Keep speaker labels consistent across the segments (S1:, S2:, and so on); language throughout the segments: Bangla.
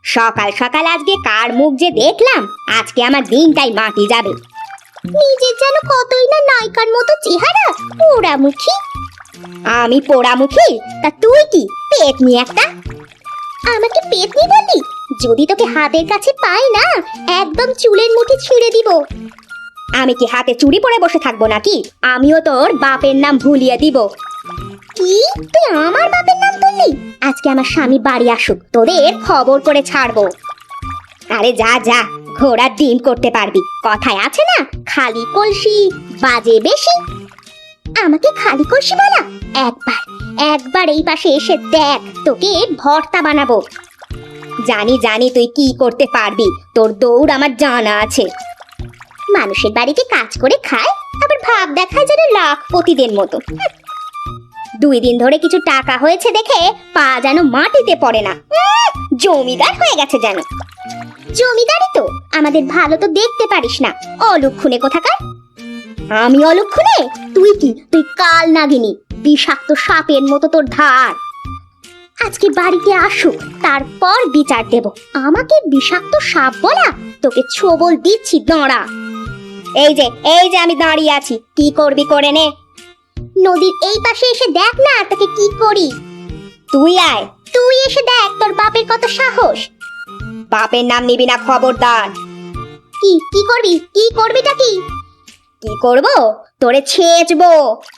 S1: সকাল সকাল আজকে কার মুখ যে দেখলাম, আজকে আমার দিনটাই মাটি যাবে। নিজের যেন কতই না নায়িকার মতো চেহারা, পোড়ামুখী। আমি পোড়ামুখী? তা তুই কি পেতনি একটা? আমাকে পেতনি বললি? যদি তোকে হাতের কাছে পাই না, একদম চুলের মুঠি ছিঁড়ে দিব। আমি কি হাতে চুড়ি পরে বসে থাকবো নাকি? আমিও তোর বাপের নাম ভুলিয়ে দিব। কি তুই আমার বাপের নাম তুললি? আজকে আমার স্বামী বাড়ি আসুক, তোদের খবর করে ছাড়বো। আরে যা যা, ঘোড়ার ডিম করতে পারবি। কথায় আছে না, খালি কলসি বাজে বেশি। আমাকে খালি কলসি বলা? একবার একবার এই পাশে এসে দেখ, তোকে ভর্তা বানাবো। জানি জানি তুই কি করতে পারবি, তোর দৌড় আমার জানা আছে। মানুষের বাড়িতে কাজ করে খায়, আবার ভাব দেখায় যেন লাখপতিদের মতো। 2 দিন ধরে কিছু টাকা হয়েছে দেখে পা যেন মাটিতে পড়ে না। জমিদার হয়ে গেছে যেন। জমিদারি তো আমাদের ভালো তো দেখতে পারিস না, অলক্ষণে কোথাকার। আমি অলক্ষণে? তুই কি? তুই কাল নাগিনী, বিষাক্ত সাপের মতো তোর ধার। আজকে বাড়িতে আসুক, তারপর বিচার দেব। আমাকে বিষাক্ত সাপ বলা? তোকে ছোবল দিচ্ছি, দাঁড়া। এই যে আমি দাঁড়িয়ে আছি, কি করবি করে নে। নদীর এই পাশে এসে দেখ না তোকে কি করি। তুই আয়, তুই এসে দেখ তোর বাপের কত সাহস। বাপের নাম নিবি না, খবরদার। কি করবি? কি করবিটা কি? কি করব? তোরে ছেঁচবো।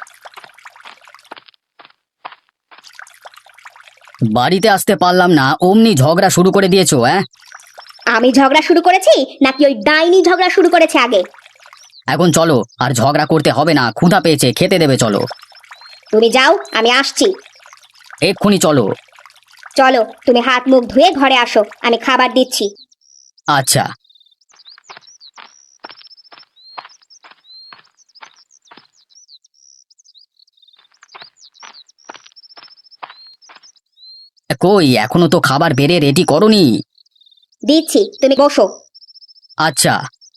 S2: বাড়িতে আসতে পারলাম না, অমনি ঝগড়া শুরু করে দিয়েছো?
S1: আমি ঝগড়া শুরু করেছি নাকি ওই ডাইনি ঝগড়া শুরু করেছে আগে?
S2: এখন চলো, আর ঝগড়া করতে হবে না, ক্ষুধা পেয়েছে, খেতে দেবে, চলো।
S1: তুমি যাও, আমি আসছি।
S2: এক্ষুনি চলো।
S1: চলো, তুমি হাত মুখ ধুয়ে ঘরে আসো, আমি খাবার দিচ্ছি।
S2: আচ্ছা। কই, এখনো তো খাবার বেড়ে রেডি করনি?
S1: দিচ্ছি, তুমি বসো।
S2: আচ্ছা।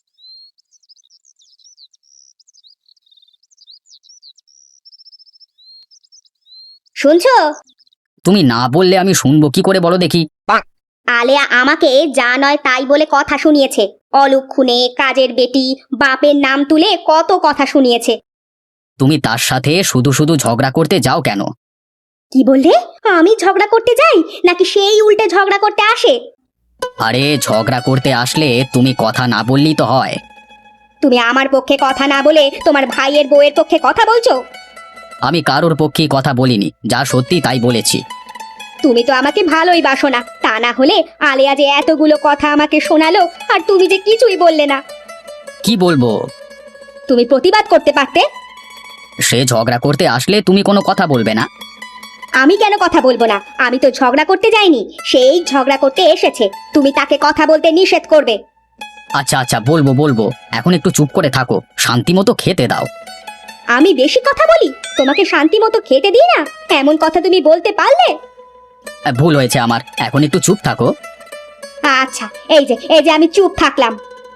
S1: শুনছো?
S2: তুমি না বললে আমি শুনবো কি করে, বলো দেখি।
S1: আলেয়া আমাকে যা নয় তাই বলে কথা শুনিয়েছে। অলক্ষণে, কাজের বেটি, বাপের নাম তুলে কত কথা শুনিয়েছে।
S2: তুমি তার সাথে শুধু শুধু ঝগড়া করতে যাও কেন?
S1: কি বললে? আমি ঝগড়া করতে যাই নাকি সেই উল্টে ঝগড়া করতে আসে?
S2: আরে ঝগড়া করতে আসলে তুমি কথা না বললেই তো হয়।
S1: তুমি আমার পক্ষে কথা না বলে তোমার ভাইয়ের বউয়ের পক্ষে কথা বলছো।
S2: আমি কারোর পক্ষে কথা বলিনি, যা সত্যি তাই বলেছি।
S1: তুমি তো আমাকে ভালোই বাসো না, তা না হলে আলেয়া যে এতগুলো কথা আমাকে শোনালো, আর তুমি যে কিছুই বললে না।
S2: কি বলবো?
S1: তুমি প্রতিবাদ করতে পারতে।
S2: সে ঝগড়া করতে আসলে তুমি কোনো কথা বলবে না?
S1: আমি কেন কথা বলবো না? আমি তো ঝগড়া করতে যাইনি, সেই ঝগড়া করতে এসেছে। তুমি তাকে কথা বলতে নিষেধ করবে।
S2: আচ্ছা আচ্ছা, বলবো বলবো, এখন একটু চুপ করে থাকো, শান্তি মতো খেতে দাও।
S1: আমি বেশি কথা বলি? তোমাকে শান্তি মতো খেতে দিই না, এমন কথা তুমি বলতে পারলে?
S2: ভুল হয়েছে আমার, এখন একটু চুপ থাকো।
S1: আচ্ছা, এই যে আমি চুপ থাকলাম।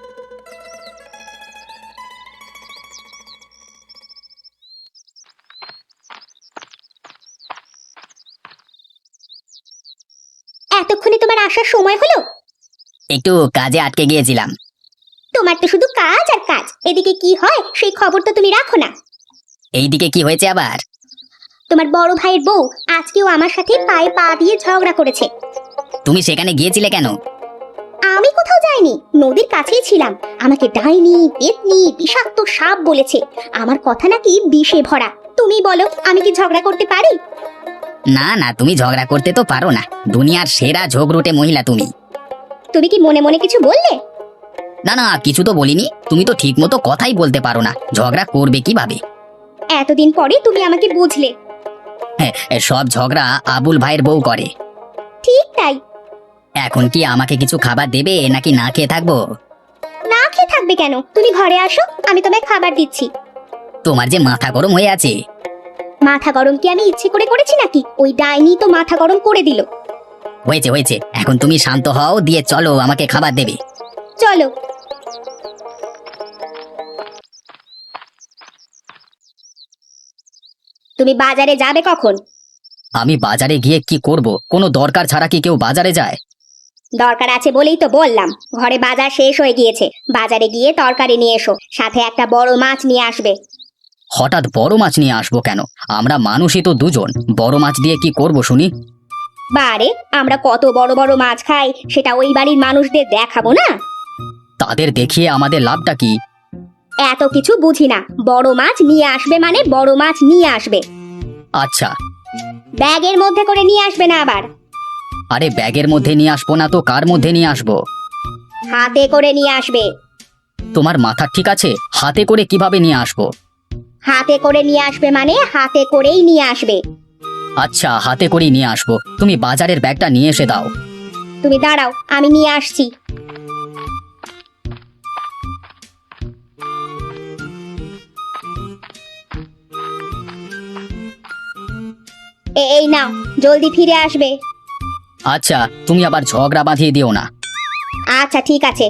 S1: এতক্ষণে তোমার আসার সময় হলো?
S2: একটু কাজে আটকে গিয়েছিলাম।
S1: তোমার তো শুধু কাজ আর কাজ, এদিকে কি হয় সেই খবর তো তুমি রাখো না।
S2: এইদিকে কি হয়েছে আবার?
S1: তোমার বড় ভাইয়ের বউ আজকেও আমার সাথে পায়ে পা দিয়ে ঝগড়া করেছে।
S2: তুমি সেখানে গিয়েছিলে কেন?
S1: আমি কোথাও যাইনি, নদীর কাছেই ছিলাম। আমাকে ডাইনি, পেতনি, বিষাক্ত সাপ বলেছে। আমার কথা নাকি বিষে ভরা। তুমি বলো, আমি কি ঝগড়া করতে পারি?
S2: না না, তুমি ঝগড়া করতে তো পারো না, দুনিয়ার সেরা ঝগড়ুটে মহিলা তুমি।
S1: তুমি কি মনে মনে কিছু বললে?
S2: না না, কিছু তো বলিনি, তুমি তো ঠিক মতো কথাই বলতে পারো না, ঝগড়া করবে কিভাবে?
S1: এতদিন পরে তুমি আমাকে বুঝলে।
S2: হ্যাঁ, সব ঝগড়া আবুল ভাইয়ের বউ করে।
S1: ঠিক তাই।
S2: এখন কি আমাকে কিছু খাবার দেবে নাকি না খেয়ে থাকবো?
S1: না খেয়ে থাকবে কেন? তুমি ঘরে আসো, আমি তোমায় খাবার দিচ্ছি।
S2: তোমার যে মাথা গরম হয়ে আছে।
S1: মাথা গরম কি আমি ইচ্ছে করে করেছি নাকি? ওই ডাইনি তো মাথা গরম করে দিল।
S2: হয়েছে হয়েছে, এখন তুমি শান্ত হও, দিয়ে চলো, আমাকে খাবার দেবে।
S1: চলো। তুমি বাজারে যাবে কখন?
S2: আমি বাজারে গিয়ে কি করব? কোনো দরকার ছাড়া কি কেউ বাজারে যায়?
S1: দরকার আছে বলেই তো বললাম, ঘরে বাজার শেষ হয়ে গিয়েছে, বাজারে গিয়ে তরকারি নিয়ে এসো, সাথে একটা বড় মাছ নিয়ে আসবে।
S2: হঠাৎ বড় মাছ নিয়ে আসবো কেন? আমরা মানুষই তো দুজন, বড় মাছ দিয়ে কি করব শুনি?
S1: বারে, আমরা কত বড় বড় মাছ খাই সেটা ওই বাড়ির মানুষদের দেখাবো না?
S2: তাদের দেখিয়ে আমাদের লাভটা কি?
S1: এত কিছু বুঝি না, বড় মাছ নিয়ে আসবে মানে বড় মাছ নিয়ে আসবে।
S2: আচ্ছা।
S1: ব্যাগের মধ্যে করে নিয়ে আসবে না আবার।
S2: আরে ব্যাগের মধ্যে নিয়ে আসবো না তো কার মধ্যে নিয়ে আসবো?
S1: হাতে করে নিয়ে আসবে।
S2: তোমার মাথা ঠিক আছে? হাতে করে কিভাবে নিয়ে আসবো?
S1: হাতে করে নিয়ে আসবে মানে হাতে করেই নিয়ে আসবে।
S2: আচ্ছা, হাতে করেই নিয়ে আসবো। তুমি বাজারের ব্যাগটা নিয়ে এসে দাও।
S1: তুমি দাঁড়াও, আমি নিয়ে আসছি। এই নাও, জলদি ফিরে আসবে।
S2: আচ্ছা, তুমি আবার ঝগড়া বাঁধিয়ে দিও না।
S1: আচ্ছা ঠিক আছে।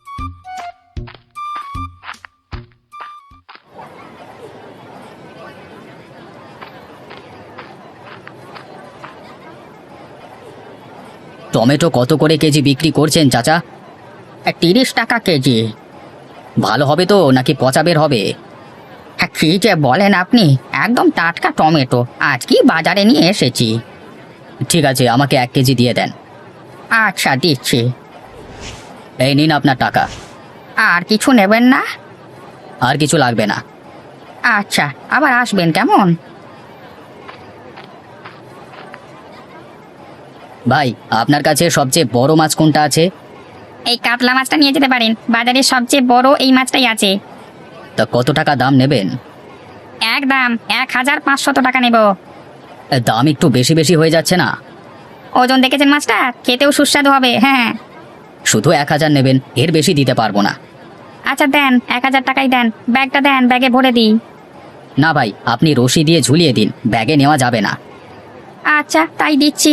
S2: টমেটো কত করে কেজি বিক্রি করছেন চাচা?
S3: 30 টাকা কেজি।
S2: ভালো হবে তো নাকি পচা বের হবে?
S3: কি যে বলেন আপনি, একদম টাটকা টমেটো, আজকেই বাজারে নিয়ে এসেছি।
S2: ঠিক আছে, আমাকে 1 কেজি দিয়ে দেন।
S3: আচ্ছা দিচ্ছি।
S2: এই নিন আপনার টাকা।
S3: আর কিছু নেবেন না?
S2: আর কিছু লাগবে না।
S3: আচ্ছা, আবার আসবেন কেমন?
S2: ভাই, আপনার কাছে সবচেয়ে বড় মাছ কোনটা আছে?
S3: এই কাতলা মাছটা নিয়ে যেতে পারেন, বাজারে সবচেয়ে বড় এই মাছটাই আছে।
S2: তা কত টাকা দাম নেবেন?
S3: একদম 1500 টাকা নেব।
S2: দাম একটু বেশি বেশি হয়ে যাচ্ছে না?
S3: ওজন দেখেছেন মাছটা? খেতেও সুস্বাদু হবে। হ্যাঁ।
S2: শুধু 1000 নেবেন, এর বেশি দিতে পারবো না।
S3: আচ্ছা দেন, 1000 টাকাই দেন। ব্যাগটা দেন, ব্যাগে ভরে দিই।
S2: না ভাই, আপনি রশি দিয়ে ঝুলিয়ে দিন, ব্যাগে নেওয়া যাবে না।
S3: আচ্ছা তাই দিচ্ছি।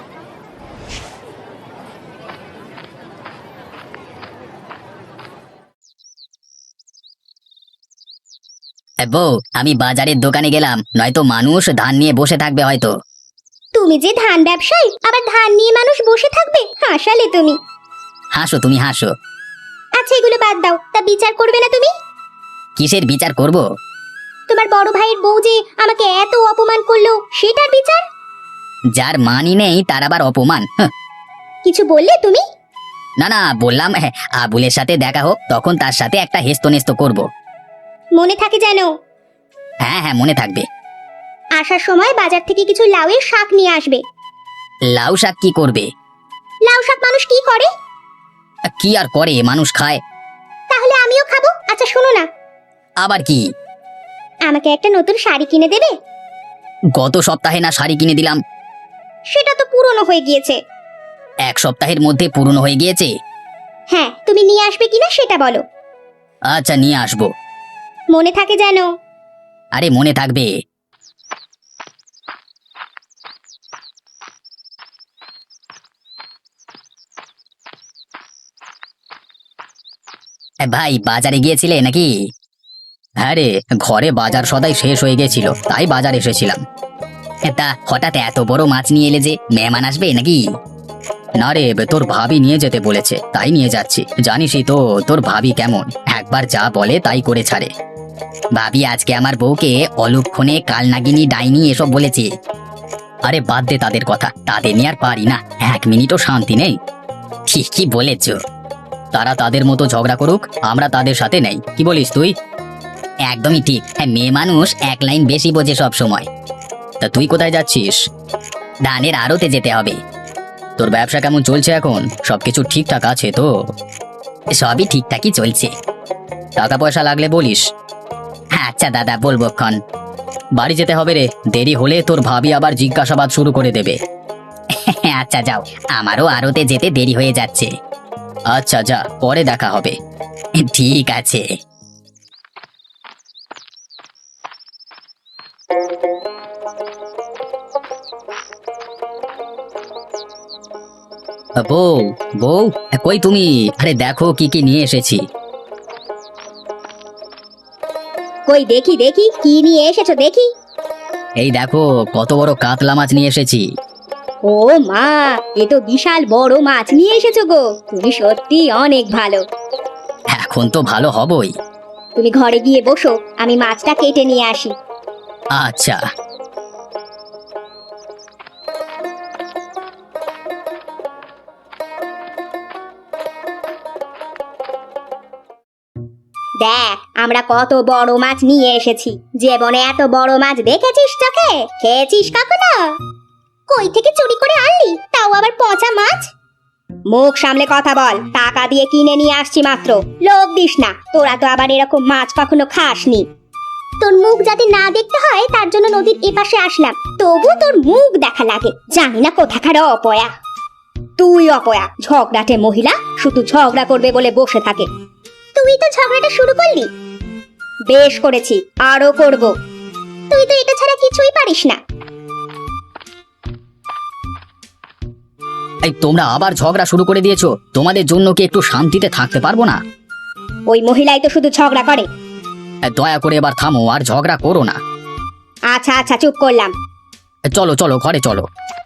S2: বউ, আমি বাজারের দোকানে গেলাম, নয়তো মানুষ ধান নিয়ে বসে থাকবে হয়তো।
S1: তুমি যে ধান ব্যবসায়ী, আবার ধান নিয়ে মানুষ বসে থাকবে? হাসালে তুমি।
S2: হাসো, তুমি হাসো।
S1: আচ্ছা এগুলো বাদ দাও, তা বিচার করবে না তুমি?
S2: কিসের বিচার করব?
S1: তোমার বড় ভাইয়ের বউ যে আমাকে এত অপমান করলো, সেটার বিচার?
S2: যার মানই নেই তার আবার অপমান?
S1: কিছু বললে তুমি?
S2: না না, বললাম আবুলের সাথে দেখা হোক, তখন তার সাথে একটা হেস্তনেস্ত করব।
S1: মনে থাকে যেন।
S2: হ্যাঁ হ্যাঁ, মনে থাকবে।
S1: আসার সময় বাজার থেকে কিছু লাউয়ের শাক নিয়ে আসবে।
S2: লাউ শাক কি করবে?
S1: লাউ শাক মানুষ কি করে?
S2: কি আর করে, মানুষ খায়।
S1: তাহলে আমিও খাবো। আচ্ছা শোনো না,
S2: আবার কি?
S1: আমাকে একটা নতুন শাড়ি কিনে দেবে?
S2: গত সপ্তাহে না শাড়ি কিনে দিলাম?
S1: সেটা তো পুরনো হয়ে গিয়েছে।
S2: 1 সপ্তাহের মধ্যে পুরনো হয়ে গিয়েছে?
S1: হ্যাঁ, তুমি নিয়ে আসবে কিনা সেটা বলো।
S2: আচ্ছা, নিয়ে আসবো।
S1: মনে থাকে যেন।
S2: আরে মনে থাকবে। ভাই, বাজারে গিয়েছিলে নাকি? হ্যাঁ রে, ঘরে বাজার সদাই শেষ হয়ে গেছিল, তাই বাজার এসেছিলাম। তা হঠাৎ এত বড় মাছ নিয়ে এলে যে, মেহমান আসবে নাকি? না রে, তোর ভাবি নিয়ে যেতে বলেছে, তাই নিয়ে যাচ্ছি। জানিসই তো তোর ভাবি কেমন, একবার যা বলে তাই করে ছাড়ে। ভাবি আজকে আমার বউকে অলক্ষণে কালনাগিনী ডাইনি এসব বলেছে। আরে বাদ দে তাদের কথা, তাদের নিয়ে আর পারি না, 1 মিনিটও শান্তি নেই। ঠিকই বলেছ। তারা তাদের মতো ঝগড়া করুক, আমরা তাদের সাথে নেই, কি বলিস তুই? একদমই ঠিক। হ্যাঁ, মেয়ে মানুষ 1 লাইন বেশি বোঝে সব সময়। তা তুই কোথায় যাচ্ছিস? ধানের আড়তে যেতে হবে। তোর ব্যবসা কেমন চলছে এখন? সবকিছু ঠিকঠাক আছে তো? সবই ঠিকঠাকই চলছে। টাকা পয়সা লাগলে বলিস। আচ্ছা দাদা, বলবো ক্ষণ। বাড়ি যেতে হবে রে, দেরি হলে তোর ভাবি আবার জিজ্ঞাসাবাদ শুরু করে দেবে। আচ্ছা যাও, আমারও আড়তে যেতে দেরি হয়ে যাচ্ছে। আচ্ছা যা, পরে দেখা হবে। ঠিক আছে। বউ, বউ, কই তুমি? আরে দেখো কি কি নিয়ে এসেছি।
S1: কই দেখি দেখি, কি নিয়ে এসেছো দেখি।
S2: এই দেখো, কত বড় কাতলা মাছ নিয়ে এসেছি।
S1: ও মা, এ তো বিশাল বড় মাছ নিয়ে এসেছো গো। তুমি সত্যি অনেক ভালো।
S2: এখন তো ভালো হবই।
S1: তুমি ঘরে গিয়ে বসো, আমি মাছটা কেটে নিয়ে আসি।
S2: আচ্ছা।
S1: দেখ, আমরা কত বড় মাছ নিয়ে এসেছি। জীবনে এত বড় মাছ দেখেছিস চোখে? খেয়েছিস কখনো? কই থেকে চুরি করে আনলি, তাও আবার পচা মাছ? মুখ সামলে কথা বল। টাকা দিয়ে কিনে নিয়ে আসছি মাত্র। লোভ দিস না, তোরা তো আবার এরকম মাছ কখনো খাসনি। তোর মুখ যাতে না দেখতে হয় তার জন্য নদীর এপাশে আসলাম, তবু তোর মুখ দেখা লাগে। জানি না কোথাকার অপয়া। তুই অপয়া, ঝগড়াটে মহিলা, শুধু ঝগড়া করবে বলে বসে থাকে। তুই তো ঝগড়াটা শুরু করলি। বেশ করেছি, আরো করব। তুই তো এটা ছাড়া কিছুই পারিস না।
S2: এই তোমরা আবার ঝগড়া শুরু করে দিয়েছো। তোমাদের জন্য কি একটু শান্তিতে থাকতে পারবো না?
S1: ওই মহিলাই তো শুধু ঝগড়া করে।
S2: দয়া করে এবার থামো, আর ঝগড়া করো না।
S1: আচ্ছা আচ্ছা, চুপ করলাম।
S2: চলো চলো, ঘরে চলো।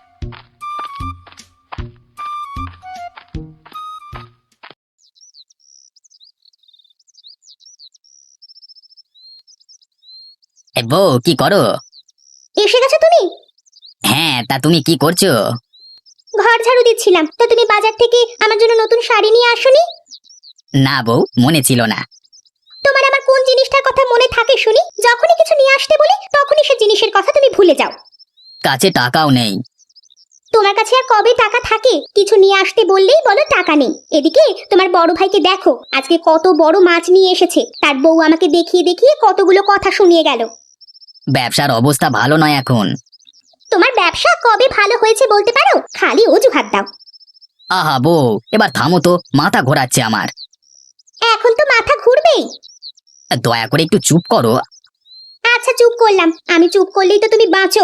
S2: বউ, কি করো?
S1: এসে গেছো তুমি?
S2: হ্যাঁ, তা তুমি কি করছো?
S1: ঘর ঝাড়ু দিচ্ছিলাম। তো তুমি বাজার থেকে আমার জন্য নতুন শাড়ি নিয়ে আসোনি?
S2: না বউ, মনে ছিল না।
S1: তোমার আবার কোন জিনিসটার কথা মনে থাকে শুনি? যখনই কিছু নিয়ে আসতে বলি তখনই সে জিনিসের কথা তুমি ভুলে যাও।
S2: কাছে টাকাও নেই।
S1: তোমার কাছে আর কবে টাকা থাকে? কিছু নিয়ে আসতে বললেই বলো টাকা নেই। এদিকে তোমার বড় ভাইকে দেখো, আজকে কত বড় মাছ নিয়ে এসেছে। তার বউ আমাকে দেখিয়ে দেখিয়ে কতগুলো কথা শুনিয়ে গেল।
S2: ব্যবসার অবস্থা ভালো নয় এখন।
S1: তোমার ব্যবসা কবে ভালো হয়েছে বলতে পারো? খালি অজুহাত দাও।
S2: আহা বউ, এবার থামো তো, মাথা ঘোরাচ্ছে আমার।
S1: এখন তো মাথা ঘুরবেই।
S2: দয়া করে একটু চুপ করো।
S1: আচ্ছা, চুপ করলাম। আমি চুপ করলেই তো তুমি বাঁচো।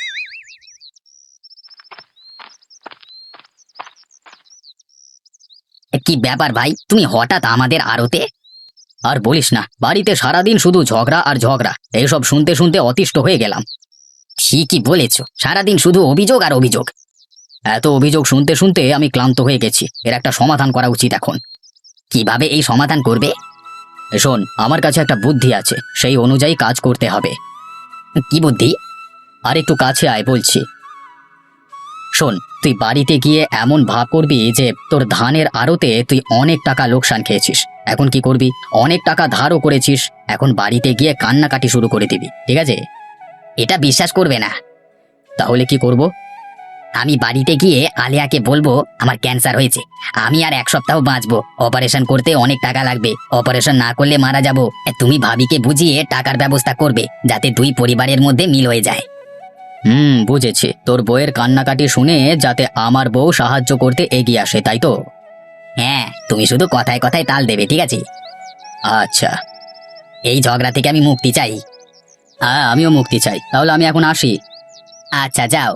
S2: কি ব্যাপার ভাই, তুমি হঠাৎ আমাদের আড়তে? আর বলিস না, বাড়িতে সারাদিন শুধু ঝগড়া আর ঝগড়া। এইসব শুনতে শুনতে অতিষ্ঠ হয়ে গেলাম। ঠিকই বলেছো, সারাদিন শুধু অভিযোগ আর অভিযোগ। এত অভিযোগ শুনতে শুনতে আমি ক্লান্ত হয়ে গেছি। এর একটা সমাধান করা উচিত এখন। কিভাবে এই সমাধান করবে? শোন, আমার কাছে একটা বুদ্ধি আছে, সেই অনুযায়ী কাজ করতে হবে। কি বুদ্ধি? আর একটু কাছে আয় বলছি। শোন, তুই বাড়িতে গিয়ে এমন ভাব করবি যে তোর ধানের আড়তে তুই অনেক টাকা লোকসান খেয়েছিস। এখন কি করবি? অনেক টাকা ধারও করেছিস। এখন বাড়িতে গিয়ে কান্নাকাটি শুরু করে দিবি, ঠিক আছে? এটা বিশ্বাস করবে না। তাহলে কি করব? আমি বাড়িতে গিয়ে আলিয়াকে বলবো আমার ক্যান্সার হয়েছে, আমি আর 1 সপ্তাহ বাঁচবো, অপারেশন করতে অনেক টাকা লাগবে, অপারেশন না করলে মারা যাব। তুমি ভাবিকে বুঝিয়ে টাকার ব্যবস্থা করবে, যাতে দুই পরিবারের মধ্যে মিল হয়ে যায়। বুঝেছি। তোর বউয়ের কান্নাকাটি শুনে যাতে আমার বউ সাহায্য করতে এগিয়ে আসে, তাই তো? হ্যাঁ, তুমি শুধু কথায় কথায় তাল দেবে, ঠিক আছে? আচ্ছা। এই ঝগড়া থেকে আমি মুক্তি চাই। হ্যাঁ, আমিও মুক্তি চাই। তাহলে আমি এখন আসি। আচ্ছা, যাও।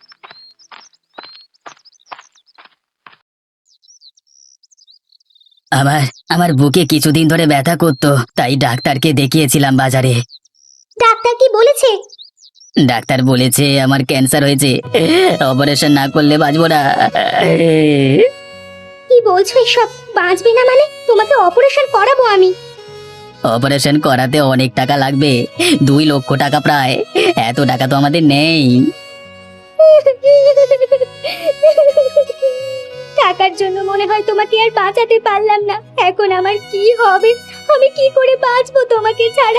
S2: আমার আমার বুকে কিছুদিন ধরে ব্যথা করতো, তাই ডাক্তারকে দেখিয়েছিলাম বাজারে।
S1: ডাক্তার কি বলেছে?
S2: ডাক্তার বলেছে আমার ক্যান্সার হয়েছে, অপারেশন না করলে বাঁচবো না।
S1: কি বলছো এসব? বাঁচবে না মানে? তোমাকে অপারেশন করাবো আমি।
S2: অপারেশন করাতে অনেক টাকা লাগবে, 2 লক্ষ টাকা প্রায়। এত টাকা তো আমাদের নেই।
S1: টাকার জন্য মনে হয় তোমাকে আর বাঁচাতে পারলাম না। এখন আমার কি হবে? আমি কি করে বাঁচবো তোমাকে ছাড়া?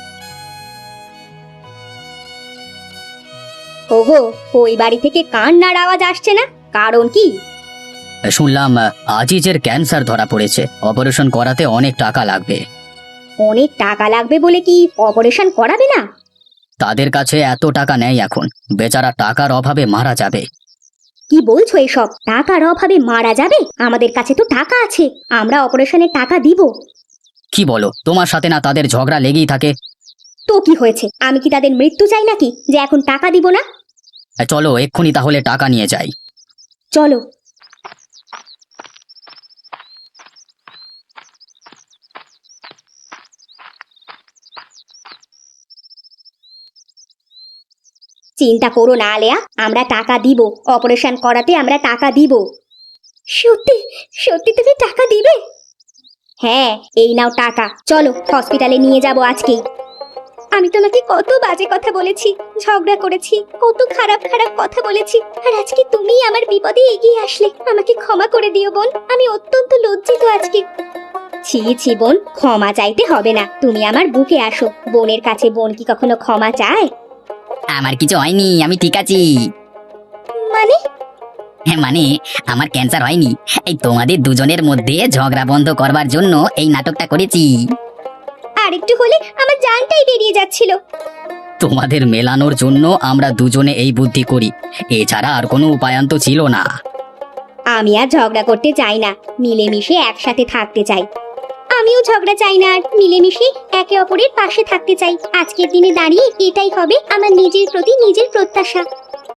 S1: ওগো, ওই বাড়ি থেকে কান্নার আওয়াজ আসছে না, কারণ কি?
S2: শুনলাম আজিজের ক্যান্সার ধরা পড়েছে, অপারেশন করাতে অনেক টাকা লাগবে।
S1: অনেক টাকা লাগবে বলে কি অপারেশন করাবে না?
S2: তাদের কাছে এত টাকা নেই এখন, বেচারা টাকার অভাবে মারা যাবে।
S1: কি বলছো এসব? টাকার অভাবে মারা যাবে? আমাদের কাছে তো টাকা আছে, আমরা অপারেশনের টাকা দিব।
S2: কি বলো? তোমার সাথে না তাদের ঝগড়া লেগেই থাকে।
S1: তো কি হয়েছে? আমি কি তাদের মৃত্যু চাই নাকি যে এখন টাকা দিব না?
S2: চলো এক্ষুনি তাহলে টাকা নিয়ে যাই।
S1: চলো। চিন্তা করো না আলেয়া, আমরা টাকা দিব, অপারেশন করাতে আমরা টাকা দিব। সত্যি সত্যি তুমি টাকা দিবে? হ্যাঁ, এই নাও টাকা, চলো হসপিটালে নিয়ে যাব আজকেই। আমি তোমাকে কত বাজে কথা বলেছি, ঝগড়া করেছি, কত খারাপ খারাপ কথা বলেছি, আর আজকে তুমি আমার বিপদে এগিয়ে আসলে। আমাকে ক্ষমা করে দিও বোন, আমি অত্যন্ত লজ্জিত আজকে। ছি ছি বোন, ক্ষমা চাইতে হবে না, তুমি আমার বুকে আসো। বোনের কাছে বোন কি কখনো ক্ষমা চায়?
S2: আমার কিছু হয়নি, আমি ঠিক আছি।
S1: মানে?
S2: হ্যাঁ মানে, আমার ক্যান্সার হয়নি। এই তোমাদের দুজনের মধ্যে ঝগড়া বন্ধ করবার জন্য এই নাটকটা করেছি।
S1: আর একটু হলে আমার জানটাই বেরিয়ে যাচ্ছিল।
S2: তোমাদের মেলানোর জন্য আমরা দুজনে এই বুদ্ধি করি, এছাড়া আর কোনো উপায়ান্ত ছিল না।
S1: আমি আর ঝগড়া করতে চাই না, মিলেমিশে একসাথে থাকতে চাই। আমিও ঝগড়া চাই না, আর মিলেমিশে একে অপরের পাশে থাকতে চাই। আজকের দিনে দাঁড়িয়ে এটাই হবে আমার নিজের প্রতি নিজের প্রত্যাশা।